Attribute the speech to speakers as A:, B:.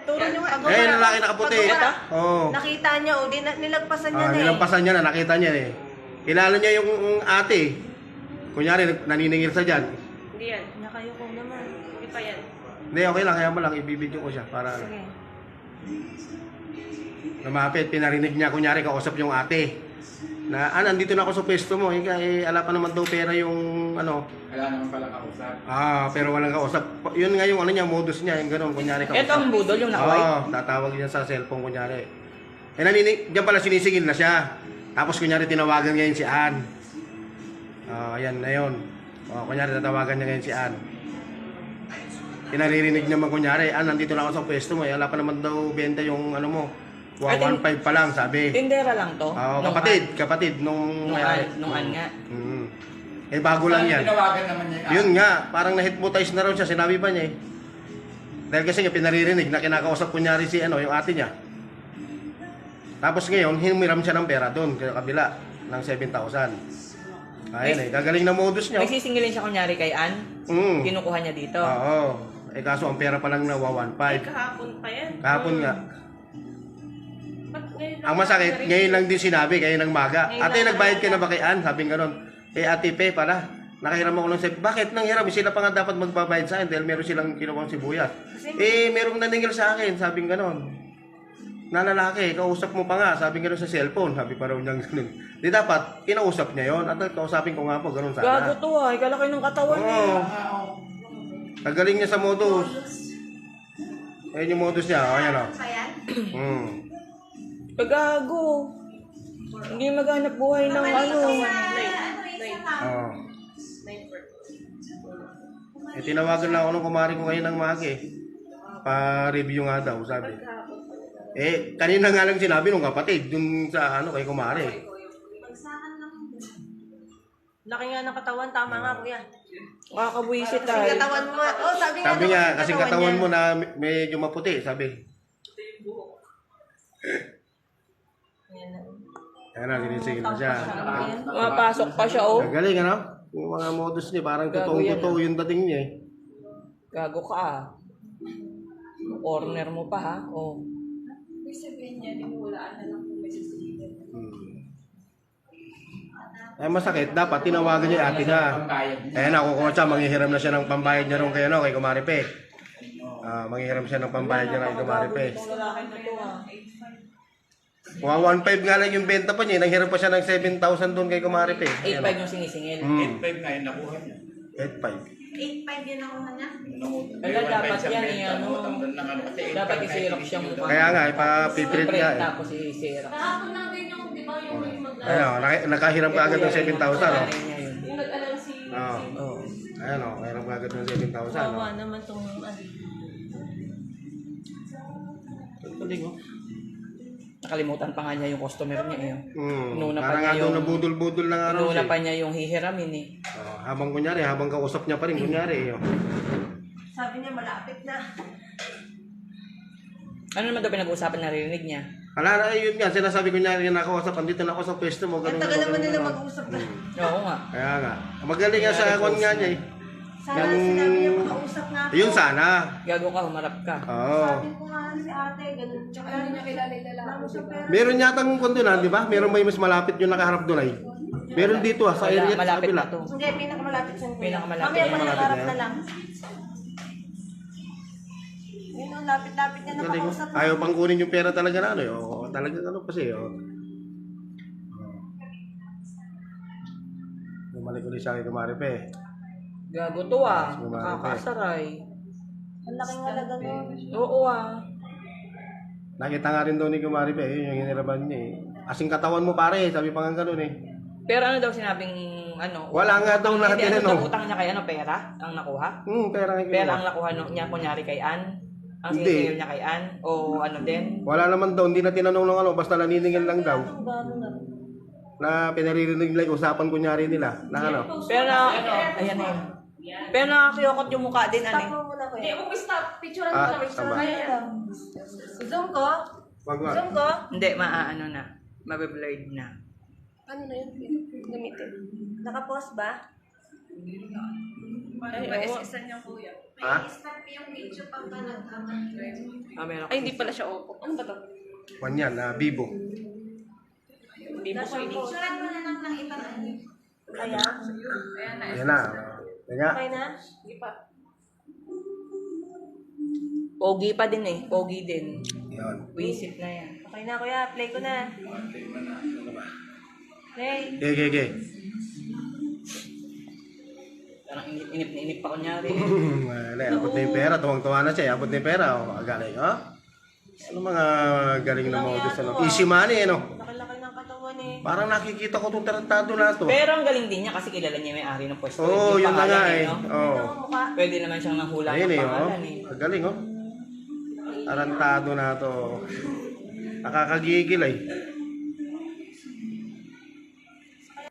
A: Turo nyo nga.
B: Eh, lalaki nakaputi. Oo.
A: Nakita niya, o, nilagpasan niya na eh.
B: Nilampasan niya na, nakita niya eh. Kilala niya yung ate. Kunyari, naniningil sa dyan.
C: Hindi yan.
A: Nakayoko naman.
C: Hindi pa yan.
B: Hindi, okay lang. Kaya mo lang, ibibidyo ko siya. Para
A: Sige.
B: lumapit, pinarinig niya. Kunyari, kausap yung ate. Na, nandito na ako sa pwesto mo. Ala pa naman daw pera yung, ano.
D: Wala naman pala kausap.
B: Pero walang kausap. Yun nga yung, ano niya, modus niya. Yung gano'n, kunyari kausap.
E: Ito ang budol, yung nakaway.
B: Tatawag niya sa cellphone, kunyari. Diyan pala sinisingil na siya. Tapos, kunyari, tinawagan ngayon si Ann. Ayan na yun. Kunyari, tatawagan niya ngayon si Ann. Pinaririnig naman, kunyari, nandito lang ako sa pwesto mo. Ala pa naman daw benta yung, ano mo. 1.5 pa lang, sabi.
E: Tindera lang to.
B: Kapatid nung
E: An nga.
B: Bago lang yan.
D: Tinawagan naman niya.
B: Yun nga, parang na-hypnotize na raw siya, sinabi pa niya eh. Dahil kasi nga pinaririnig na kinakausap kunyari si yung ate niya. Tapos ngayon, humiram siya ng pera doon, sa kabila, ng 7,000. Ayun gagaling na modus niya.
E: Nagsisingilin siya kunyari kay Ann. Kinukuha niya dito.
B: Oo. Kaso ang pera pa lang na 1.5.
C: Kahapon pa yan.
B: Kahapon nga. Ang masakit, ngayon lang din sinabi, kayo ng maga. Ate, nagbayad ka na ba kay Ann? Sabing gano'n. Ate Pe pala, nakahiram ako ng bakit nanghiram? Sila pa nga dapat magbabayad sa akin dahil meron silang kinukuhang sibuyas. Merong naningil sa akin, sabing gano'n. Na lalaki, kausap mo pa nga, sabing gano'n sa cellphone. Sabi pa raw niyang gano'n. Di dapat, kinausap niya yon. At kausapin ko nga po, gano'n sana.
E: Gago to kalaki ng katawan niya.
B: Tagaling niya sa modus. Ayun yung modus niya, ayan o.
E: Gago. Hindi maghanap buhay ng ano.
B: Tinawagan na ako nung kumari ko ngayon ng maga eh. Pa-review nga daw, sabi. Kanina nga lang sinabi nung kapatid, dun sa kay kumari.
A: Laki nga ng katawan, tama nga kuya.
E: Makakabwisit
A: Kasi katawan mo nga.
B: Sabi nga, kasi katawan mo na medyo maputi, sabi. Ayan na, ginisingil na siya.
E: Mapasok pa siya
B: Galing ano? Yung mga modus niya, parang totoong-totoo yung dating niya eh.
E: Gago ka Corner mo pa ha.
C: Ibig sabihin niya, nimulaan na lang kung may sasingilin.
B: Masakit, dapat tinawagan niya ate na. Nakukuha siya, manghihiram na siya ng pambayad niya rin kay Kumari Pe. Manghihiram siya ng pambayad niya kay Kumari Pe. Mga 1.5 nga lang yung benta pa niya, nanghiram pa siya ng 7,000 doon kay Kumari Pe.
E: 8.5 yung sinisingil.
D: 8.5 na yung nakuha niya.
A: 8.5 yun ako na.
E: Dapat yan dapat i-xerox siya mo.
B: Kaya nga, ipapiprint nga eh.
E: Tapos i-xerox.
C: Kahapon na din yung, di ba, yung
B: Nakahiram ka agad ng 7,000
C: yung nag-alala si...
B: Nakahiram ka agad ng 7,000
A: Kawa naman itong
E: Nakalimutan pa nga niya yung customer niya
B: Parang nga doon nabudol-budol na nga rin
E: Inuna pa niya yung hihiramin
B: habang kunyari, habang kausap niya pa rin kunyari
A: Sabi niya malapit na.
E: Ano naman daw pinag-uusapan narinig niya?
B: Yun nga, sinasabi ko niya nakausap, andito na ako sa pwesto mo.
A: Ang tagal naman nila mag-usap na.
E: Oo nga.
B: Kaya nga. Magaling nga sa kwan nga niya eh.
A: Sana sinabi niya makausap nga ako.
B: Yun sana.
E: Gago ka, humarap ka.
A: Sabi ko nga si ate, ganun. Tsaka
C: Hindi niya kilala yung lalaki.
B: Meron yata ng kwantunan, di ba? Meron may mas malapit yung nakaharap doon ay. Meron dito sa area sa
E: Malapit
B: kabila.
E: na to.
A: Hindi, pinakamalapit sa kuya.
E: Pinakamalapit.
A: Mamaya pa nakaharap
B: na
A: na lang. Yun ang lapit-lapit niya na makausap.
B: Ayaw pang kunin yung pera talaga na ano eh. Talaga ano kasi Bumalik ulit sa akin Kumari Pe.
E: Gago to nakakasaray.
A: Ang laking halaga nun.
E: Oo
B: Nakita nga rin daw ni Kumari Pe, yun yung hiniraban niya eh. Asing katawan mo pare, sabi pa nga ganun eh.
E: Pero ano daw sinabing
B: Wala nga daw na tinanong.
E: Utang niya kay pera ang nakuha?
B: Pera nga
E: Pera ang nakuha niya kunyari kay Ann? Ang sinisingil niya kay Ann? O ano din?
B: Wala naman daw, hindi na tinanong ng basta naniningil lang daw. Na pinaririnig nila, usapan kunyari nila. Na ano?
E: Pero ayan na yun. Pero nakakiyokot yung mukha din,
A: Stop mo muna kuya.
C: Hindi, huwag mo stop. Picturean mo lang.
B: tama.
A: Zoom ko?
B: Wag.
A: Zoom ko?
E: Hindi, maaano na. Mabe-blurred na.
C: Ano na yun? Gamitin.
A: Naka-pause ba?
C: Paano ba SS-an niya, kuya?
B: Ha?
E: Meron.
C: Ay, hindi pala siya Oppo. Ano ba to?
B: Kwan yan, Vivo.
E: Vivo Phoenix.
A: Kaya?
C: Ayan na.
B: Ayan na. Kaya,
A: Okay na?
C: Hindi pa.
E: Pogi pa din eh. Pogi din.
B: yun.
E: Wisit na yan.
A: Okay na kuya, play ko na. Play.
B: Okay.
E: Parang inip na inip pa kunyari.
B: Wala, abot na yung pera. Tuwang-tuwa na siya. Abot na yung pera. Oh, galing, oh. Ano mga galing na modus, ano? Easy money, ano?
A: Laki-laki ng katawan eh.
B: Parang nakikita ko itong tarantado na to.
E: Pero ang galing din niya kasi kilala niya may ari ng pwesto.
B: Oo,
E: Yung
B: yun na
E: pangalan
B: nga eh.
E: no?
B: Oo.
A: Ano, mukha?
E: Pwede naman siyang nahula
B: Ayun
E: ng
B: eh, oh.
E: pangalan eh.
B: Ang galing, oh. Tarantado na to. Nakakagigil, eh.